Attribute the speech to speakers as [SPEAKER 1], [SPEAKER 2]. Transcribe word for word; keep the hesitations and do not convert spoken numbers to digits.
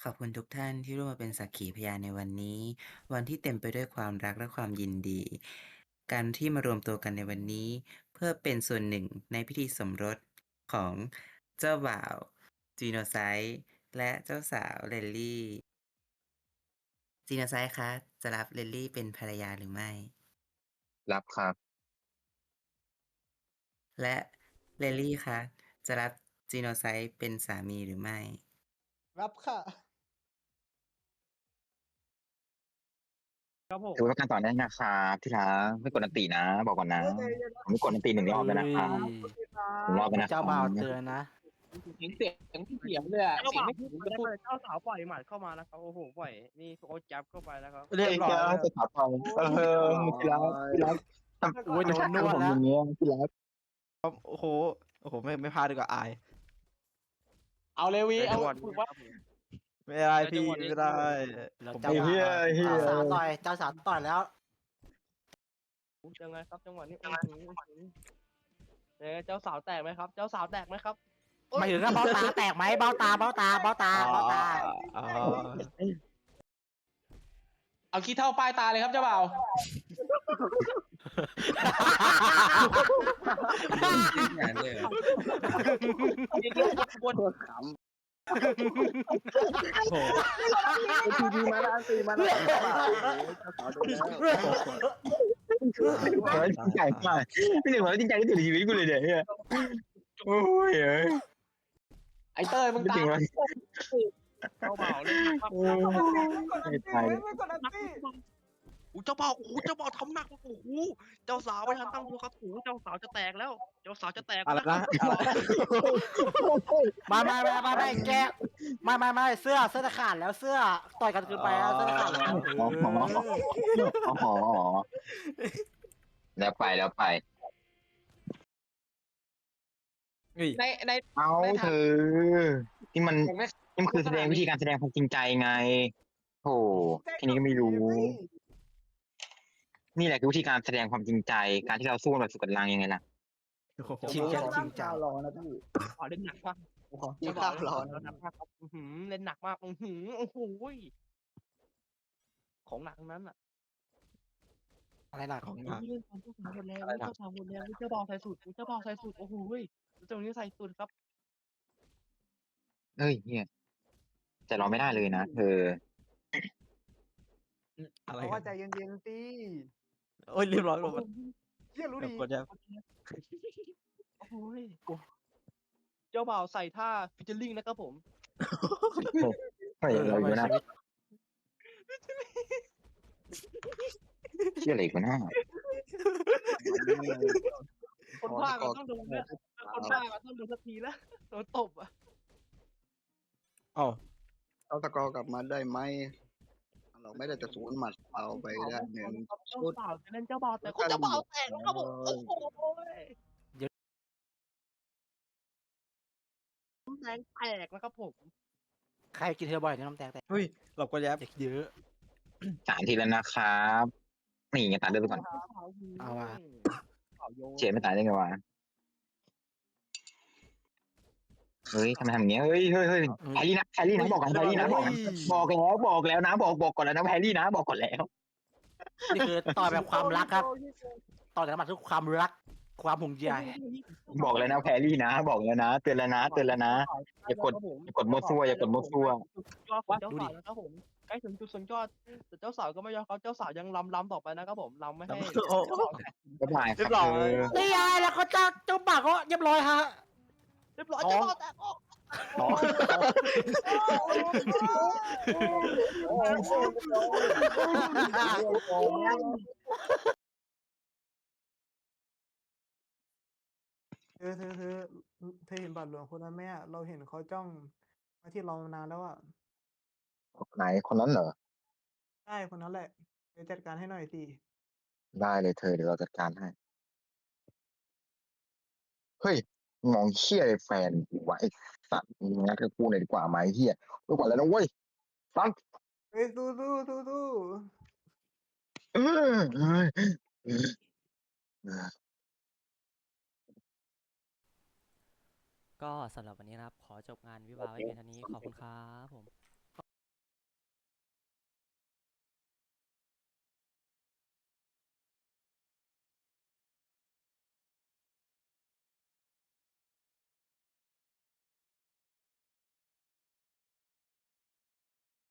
[SPEAKER 1] ขอบคุณทุกท่านที่ร่วมมาเป็นสักขีพยานในวันนี้ วันที่เต็มไปด้วยความรักและความยินดี การที่มารวมตัวกันในวันนี้ เพื่อเป็นส่วนหนึ่งในพิธีสมรสของเจ้าบ่าว Genocide และเจ้าสาว Lily Genocide คะ จะรับ Lily เป็นภรรยาหรือไม่?
[SPEAKER 2] รับครับ
[SPEAKER 1] และ Lily คะ จะรับ Genocide เป็นสามีหรือไม่?
[SPEAKER 3] รับค่ะ ครับผ
[SPEAKER 2] ถือ
[SPEAKER 3] ม
[SPEAKER 2] ว่าเป็นการต่อเนื่องนะครับที่รัก ไม่กดอันตินะ บอกก่อนนะ
[SPEAKER 3] เฮ้ย ใจเย็น ๆ นะ
[SPEAKER 2] ผมไม่กดอันติ หนึ่ง รอบแล้วนะครั
[SPEAKER 3] ค
[SPEAKER 2] บ
[SPEAKER 3] รับ โอเคครั
[SPEAKER 2] หนึ่ง รอบ
[SPEAKER 3] บ
[SPEAKER 2] แล้วนะค
[SPEAKER 4] เจ้า
[SPEAKER 2] รั
[SPEAKER 4] บ่าว
[SPEAKER 2] บ
[SPEAKER 4] เตือนนะ
[SPEAKER 5] เสียง เสียงพี่เถียงเลยอะ
[SPEAKER 3] เจ้า
[SPEAKER 5] เสียง
[SPEAKER 3] บ่าว
[SPEAKER 5] ไม่
[SPEAKER 3] พูด
[SPEAKER 5] ถึง
[SPEAKER 3] มา
[SPEAKER 5] จะ
[SPEAKER 3] ได้
[SPEAKER 5] พูด
[SPEAKER 3] เลย เจ้าสาวปล่อยหมัดเข้ามาแล้วครับ โอ้โฮ ปล่อย นี่โอ๊ตจับเข้าไปแล้วครับ
[SPEAKER 4] เรียบร้อย
[SPEAKER 2] จะถามต่อ เออ ที่รัก ที่รัก ทำ
[SPEAKER 4] โอ๊ย โดนนวด
[SPEAKER 2] ทำผม
[SPEAKER 4] แล้
[SPEAKER 2] อ
[SPEAKER 4] ว
[SPEAKER 2] ย่างเงี้ย ที่รัก
[SPEAKER 4] ครับ โอ้โฮ โอ้โฮ ไม่ ไม่พากดีกว่า อาย
[SPEAKER 5] เอาเลยวี
[SPEAKER 3] ใน
[SPEAKER 5] เอ
[SPEAKER 3] จั
[SPEAKER 5] า
[SPEAKER 3] งหวะนี้
[SPEAKER 5] ฝึกว่า
[SPEAKER 3] ครับผม
[SPEAKER 4] ไม่ได้
[SPEAKER 5] ใน
[SPEAKER 4] พ
[SPEAKER 5] จั
[SPEAKER 4] ี่
[SPEAKER 5] งหวะนี้
[SPEAKER 4] ไม่ได้
[SPEAKER 5] แล้ว
[SPEAKER 4] ผม
[SPEAKER 2] ไอ้เหี้ย ไอ้เหี้ย
[SPEAKER 4] เจ้าสาวต่อย เจ้าสาวต่อยแล้ว
[SPEAKER 5] ยังไงครับจังหวะนี้ อื้อฮือ อื้อฮือ เอ๊ะ เจ้าสาวแตกไหมครับ เจ้าสาวแตกไหมครับ? โอ๊ย
[SPEAKER 4] หมายถึงว่าเบ้าตาแตกไหม? เบ้าตา เบ้าตา เบ้าตา
[SPEAKER 5] อ๋อ
[SPEAKER 4] เบ้าตา
[SPEAKER 5] อ๋อ เอาขี้เถ้าป้ายตาเลยครับเจ้าบ่าว
[SPEAKER 1] ขนาดนั้นเลยเหรอ?
[SPEAKER 4] โอ้โฮ
[SPEAKER 3] ที พี มาแล้ว อันติมาแล้ว เจ้าบ่าว โอ้โฮ เจ้าสาวโดนแล้ว
[SPEAKER 2] ขอให้จริงใจมาก พี่หนึ่งบอกว่าจริงใจที่สุดในชีวิตกูเลยเนี่ยไอ้เหี้ย โอ๊ย เอ้ย
[SPEAKER 5] ไอ้เต้ยมึง
[SPEAKER 2] ไม่
[SPEAKER 5] ตา
[SPEAKER 2] จริง
[SPEAKER 5] ม
[SPEAKER 2] วะ
[SPEAKER 5] เจ้าบ่าวเล่นหนักมาก
[SPEAKER 2] โอ้ย ไม่ตายเลย
[SPEAKER 3] ไม่กดอันติ
[SPEAKER 5] โอ้โฮ เจ้าบ่าว โอ้โฮ เจ้าบ่าวทำหนัก โอ้โฮ เจ้าสาวไม่ทันตั้งตัวครับ โอ้โฮ เจ้าสาวจะแตกแล้ว เจ้าสาวจะแตก
[SPEAKER 4] อะไร
[SPEAKER 5] แล้ว
[SPEAKER 4] นะ
[SPEAKER 5] ครับ
[SPEAKER 4] ไม่ ๆ ๆ ๆ ๆ แก ไม่ ๆ ๆ เสื้อ เสื้อจะขาดแล้ว เสื้อ ต่อยกันเกินไปแล้ว เสื้อจะขาดแล้ว
[SPEAKER 2] อ๋อ อ๋อ อ๋อ แล้วไป แล้วไป
[SPEAKER 4] เฮ้ย
[SPEAKER 5] ใน ใน
[SPEAKER 2] อ้าว
[SPEAKER 5] ใน
[SPEAKER 2] เธ
[SPEAKER 5] ทาง
[SPEAKER 2] อ นี่มัน
[SPEAKER 5] ผมไม่
[SPEAKER 2] นี่มันคือแสดง วิธีการแสดงความจริงใจไง โธ่ แค่นี้ก็ไม่รู้ นี่แหละคือวิธีการแสดงความจริงใจ การที่เราสู้กันแบบสุดกำลังยังไงล่ะ
[SPEAKER 4] โอ้โฮ
[SPEAKER 3] ผม
[SPEAKER 4] จริง
[SPEAKER 3] ขอ
[SPEAKER 4] จัง
[SPEAKER 3] ตั้
[SPEAKER 4] จริ
[SPEAKER 3] ง
[SPEAKER 4] งจั
[SPEAKER 3] ท่าง รอนะพี่
[SPEAKER 5] อ๋อ เล่นหนักมาก
[SPEAKER 3] ผมขอกิ
[SPEAKER 5] เจ้
[SPEAKER 3] น
[SPEAKER 5] บ่า
[SPEAKER 3] ข้าว ว
[SPEAKER 5] เล่น
[SPEAKER 3] รอ
[SPEAKER 5] เล่
[SPEAKER 3] นะ
[SPEAKER 5] นหนักมากครับ อื้อฮือ เล่นหนักมาก อื้อฮือ โอ้โฮ ของหนักทั้งนั้นน่ะ
[SPEAKER 4] อะไรหนัก ของหนัก
[SPEAKER 5] อุ๊ย เจ้าสาวหมดแรง
[SPEAKER 4] อะไรหนัก
[SPEAKER 5] เจ้าสาวหมดแรง เจ้าบ่าวใส่สูท เจ้าบ่าวใส่สูท โอ้โฮ จังหวะนี้ใส่สูทครับ
[SPEAKER 2] เฮ้ย เหี้ย แต่เราไม่ได้เลยนะเธอ
[SPEAKER 4] อืม อะไร
[SPEAKER 3] บอก
[SPEAKER 4] กั
[SPEAKER 3] ว่าน ใจเย็น ๆ สิ
[SPEAKER 4] โอ๊ย เรียบร้อย
[SPEAKER 5] โอ้โฮ
[SPEAKER 3] เหี้ย รู้ดี
[SPEAKER 4] กดยัง
[SPEAKER 5] โอ้โฮ เจ้าบ่าวใส่ท่า featuring นะครับผม
[SPEAKER 2] เฮ้ย
[SPEAKER 4] เออ
[SPEAKER 2] อะไร
[SPEAKER 4] ทำไม
[SPEAKER 2] วะ
[SPEAKER 4] ชี
[SPEAKER 2] น่ะ
[SPEAKER 4] วิต
[SPEAKER 2] เหี้ยอะไรอีกวะน่ะ
[SPEAKER 5] คนพากย์อะต้องโดนแล้ว คนพากย์อะต้องโดนสักทีแล้ว โดนตบอะ
[SPEAKER 4] อ้าว
[SPEAKER 3] เอาสกอร์กลับมาได้ไหม เราไม่ได้จะสวนหมัดเอาไปได้ หนึ่ง
[SPEAKER 5] เจ้า
[SPEAKER 3] ชุด
[SPEAKER 5] สาวจะเล่นเจ้าบ่าวแตก โอ้ เจ้าบ่าวแตกแล้วครับผม โอ้โฮ
[SPEAKER 4] เดี๋ยว
[SPEAKER 5] น้ำแดงแตกนะครับผม
[SPEAKER 4] ใครกินทีละบ่อยเนี่ยน้ำแตกแตก เฮ้ย หลบก่อนแยบ เด็กเยอะ
[SPEAKER 2] สาม ทีแล้วนะครับ นี่ไงตัดเลือดไปก่อน
[SPEAKER 4] เอาว่ะ
[SPEAKER 2] เฉดไม่ตายได้ไงวะ เฮ้ย ทำไมทำอย่างเงี้ย เฮ้ย เฮ้ย เฮ้ย
[SPEAKER 4] เฮ้ย
[SPEAKER 2] แพรรี่นะ แพรรี่นะ บอกก่อน แพรรี่นะ บอกก่อน บอกแล้ว บอกแล้วนะ บอก บอกก่อนแล้วนะ แพรรี่นะ บอกก่อนแล้ว
[SPEAKER 4] นี่คือต่อยแบบความรักครับ ต่อยแต่ละหมัดคือความรัก ความห่วงใย
[SPEAKER 2] บอกแล้วนะ แพรรี่นะ บอกแล้วนะ เตือนแล้วนะ เตือนแล้วนะ อย่ากด อย่ากดมั่วซั่ว อย่ากดมั่วซั่ว
[SPEAKER 5] ยอดของเจ้าสาวแล้วครับผม ใกล้ถึงจุดสุดยอด แต่เจ้าสาวก็ไม่ยอมครับ เจ้าสาวยังรำ รำต่อไปนะครับผม รำไม่ให้
[SPEAKER 4] โอ้
[SPEAKER 2] บ๊ายบายค
[SPEAKER 4] เรี
[SPEAKER 2] รั
[SPEAKER 4] ย
[SPEAKER 2] บบ
[SPEAKER 4] ร้อ
[SPEAKER 2] เธ
[SPEAKER 4] ย
[SPEAKER 2] อ
[SPEAKER 4] นี่ไงแล้วก็เจ้า เจ้าบ่าวก็เรียบร้อยครับ
[SPEAKER 5] เรียบร้อย
[SPEAKER 4] ท้
[SPEAKER 5] เจ้า
[SPEAKER 4] อง
[SPEAKER 5] บ่าวแตก โอ้
[SPEAKER 2] อ๋อ
[SPEAKER 6] เธอ เธอ เธอ อ เธอเห็นบาทหลวงคนนั้นไหมอะ เราเห็นเขาจ้องมาที่เรานานแล้วอะ
[SPEAKER 2] ไหน คนนั้นเหรอ?
[SPEAKER 6] ใช่ คนนั้นแหละ ไปจัดการให้หน่อยสิ
[SPEAKER 2] ได้เลยเธอ เดี๋ยวเราจัดการให้ เฮ้ย มองเหี้ยอะไรแฟนกูวะไอ้สัตว์ มึงงัดกับกูหน่อยดีกว่าไหมไอ้เหี้ย ไม่ไหวแล้วนะเว้ย ฟัง
[SPEAKER 6] เฮ้ย สู้ ๆ สู้ ๆ
[SPEAKER 2] เออ เฮ้ย เออ เออ
[SPEAKER 7] ก็สำหรับวันนี้นะครับ ขอจบงานวิวาห์ไว้เพียงเท่านี้ ขอบคุณครับผม